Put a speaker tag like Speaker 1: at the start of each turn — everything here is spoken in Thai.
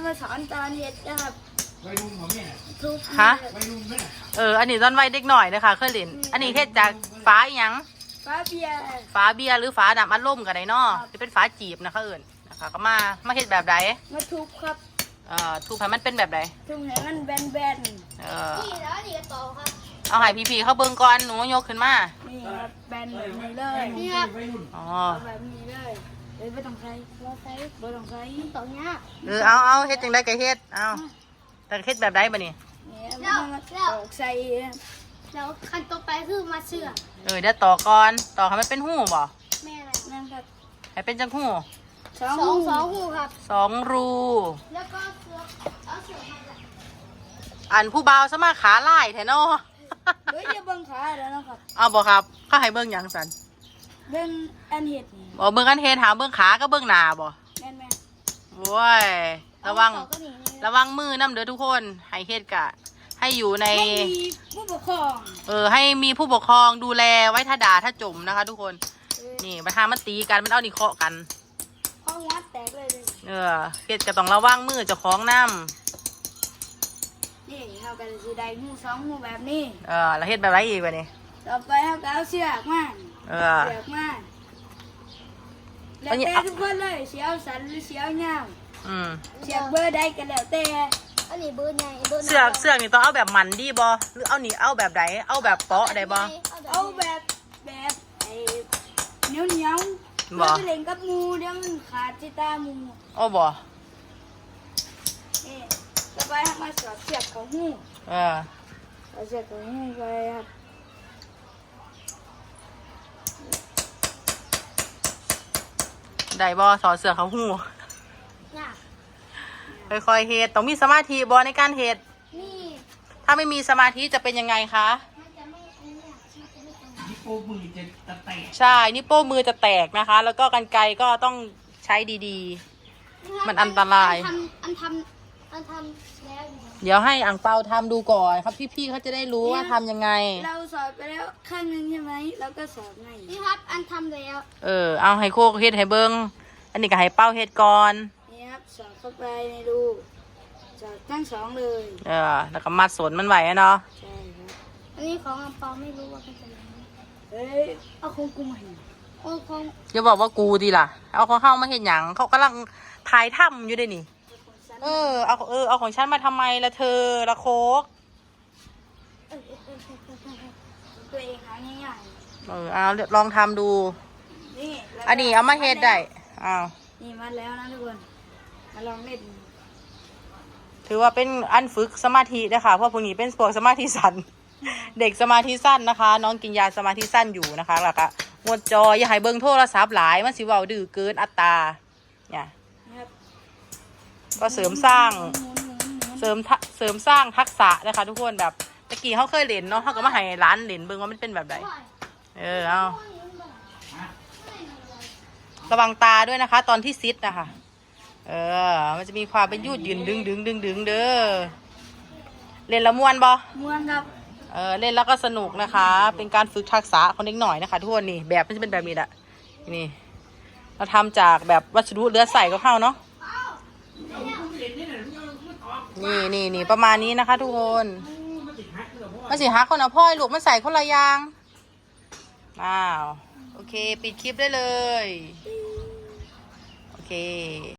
Speaker 1: มาสอนตอนเฮ็ดนะครับ
Speaker 2: วัยรุ่นของแม่
Speaker 3: ฮะ
Speaker 2: วัยรุ่นไหม
Speaker 3: อันนี้ตอนวัยเด็กหน่อยนะคะเคยเล่นอันนี้เฮ็ดจากฝาอีหยัง
Speaker 1: ฟ้าเบียร์
Speaker 3: หรือฝาดำอัดลมกันไดเนาะจะเป็นฝาจีบนะคะนะคะก็มาเฮ็ดแบบใด
Speaker 1: มาทุบครับ
Speaker 3: ทุบให้มันเป็นแบบใด
Speaker 1: ทุบให้มันแบน
Speaker 4: นี่แล้วนี่ก็ต่อครับ
Speaker 3: เอาให้พี่ๆเขาเบิ่งก่อนหนูยกขึ้นมา
Speaker 1: นี่ครับแบนแบบนี้เลย
Speaker 4: นี่ครับ
Speaker 1: แบบนี้เลยไม่ต้องใช้ไม่ต้องใช้
Speaker 4: ต่อเนี้ย
Speaker 3: เอาเฮ็ดจังไดก็เฮ็ดเอาแต่เฮ็ดแบบใดบัดนี้
Speaker 1: แล้วใส่
Speaker 4: แล้วขั้นต่อไปคือมาเสือ
Speaker 3: เดี๋ยวต่อก่อนต่อให้มันเป็นหูบ่
Speaker 4: แม่อะไร
Speaker 1: นั่นครับ
Speaker 3: ให้เป็นจังหู
Speaker 4: สองหูครับ
Speaker 3: 2 รู
Speaker 4: แล้วก็เสือเอาเสือมา
Speaker 3: อันผู้บ่าวสมาขาลายแท้เนาะ
Speaker 1: เฮ้ยจะเบิ่งขาแล้วนะครับ
Speaker 3: เอาบ่ครับเขาให้เบิ่งหยังสัน
Speaker 1: เบิ่งอันเห็ด
Speaker 3: เบิ่งอันเฮ็ดหาเบิ่งขาก็เบิ่งหน้าบ่
Speaker 1: แม่
Speaker 3: โว้ยระวังมือน้ำเด้อทุกคนให้เฮ็ดกะให้อยู่ใน
Speaker 1: ผู้ปกครอง
Speaker 3: ให้มีผู้ปกครองดูแลไว้ถ้าด่าถ้าจมนะคะทุกคนนี่มาทามันตีกันมันเอานี่เคาะกัน
Speaker 1: ห้องวัดแตกเลย
Speaker 3: เฮ็ดก็ต้องระวังมือเจ้าของน้
Speaker 1: ำนี่เขากันสีได้หู2 หูแบบนี้
Speaker 3: แล้วเฮ็ดแบบไรอีกวะนี่
Speaker 1: ต่อไปเขาก็เอาเสือกมาแล้วแต่ทุกคนเลยเสียวสันหรือเสียวเงาเสียบเบอร์ใดก็แล้วแต่
Speaker 4: อันนี้เบอร์ใหญ่
Speaker 3: เสือกนี่ต้องเอาแบบมันดีบ่หรือเอานี่เอาแบบไหนเอาแบบเปาะได้บ่
Speaker 1: เอาแบบไอ้เหนียวบ่เล่นกับมูเดี๋ยวมันขาดจิตามู
Speaker 3: บ่
Speaker 1: ต่อไปให้มาสอดเสือกของหูเอาเสือกของหูไปครับ
Speaker 3: ได้บ่สอดเสือกเขาหูค่อยๆเฮ็ดต้องมีสมาธิบ่ในการเฮ็ดถ้าไม่มีสมาธิจะเป็นยังไงคะ
Speaker 2: นิ้วโป้มือจะแตก
Speaker 3: ใช่นิ้วโป้มือจะแตกนะคะแล้วก็กรรไกรก็ต้องใช้ดีๆมันอันตราย
Speaker 4: อันทำแล้ว
Speaker 3: เดี๋ยวให้อังเปาทำดูก่อนครับพี่ๆเขาจะได้รู้ว่าทำยังไง
Speaker 1: เราสอนไปแล้วข้างนึงใช่ไหมแล้วก็สอนไง
Speaker 4: นี่ครับอันทำแล้ว
Speaker 3: เอาให้โคกเฮ็ดให้เบิ้งอันนี้ก็ให้เป้าเฮ็ดก่อน
Speaker 1: นี่ครับสอนเข้าไปในรูสอนทั้ง2เลย
Speaker 3: แล้วก็มัดสนมันไว้เนาะ
Speaker 1: ใช่ครับ
Speaker 4: อันนี้ของอังเปาไม่รู้ว่าเป็นยังไง
Speaker 1: เอาของกูมา
Speaker 4: ของ
Speaker 3: อย่าบอกว่ากูดีล่ะเอาของเข้ามาเห็นหยังเขากำลังถ่ายถ้ำอยู่ด้วยนี่เอาของฉันมาทำไมละเธอละโคก
Speaker 1: ตัวเองหาง่าย
Speaker 3: เอาลองทำดู
Speaker 1: นี่
Speaker 3: อันนี้เอามาเฮ็ดได้
Speaker 1: นี่มาแล้วนะทุกคนมาลองเล่น
Speaker 3: ถือว่าเป็นอันฝึกสมาธินะคะเพราะพวกนี้เป็นพวกสมาธิสั้นเด็กสมาธิสั้นนะคะน้องกินยาสมาธิสั้นอยู่นะคะแล้วก็งดจออย่าให้เบิ่งโทรศัพท์หลายมันสิเว้าดื้อเกินอัตราเนี่ยก็เสริมสร้างทักษะนะคะทุกคนแบบตะกี้เขาเคยเล่นเนาะเขาก็มาให้ร้านเล่นเบิ่งว่ามันเป็นแบบไหนเอาระวังตาด้วยนะคะตอนที่ซิดนะคะมันจะมีความเป็นยืดดึงเด้อเล่นละม่วนบ่
Speaker 1: ม่วนครับ
Speaker 3: เล่นแล้วก็สนุกนะคะเป็นการฝึกทักษะคนเล็กหน่อยนะคะทุกคนนี่แบบมันจะเป็นแบบนี้แหละนี่เราทำจากแบบวัสดุเหลือใส่ก็เข้าเนาะนี่ประมาณนี้นะคะทุกคนมันสิฮักคนเอาพ่อยลูกมันใส่คนละยางโอเคปิดคลิปได้เลยโอเค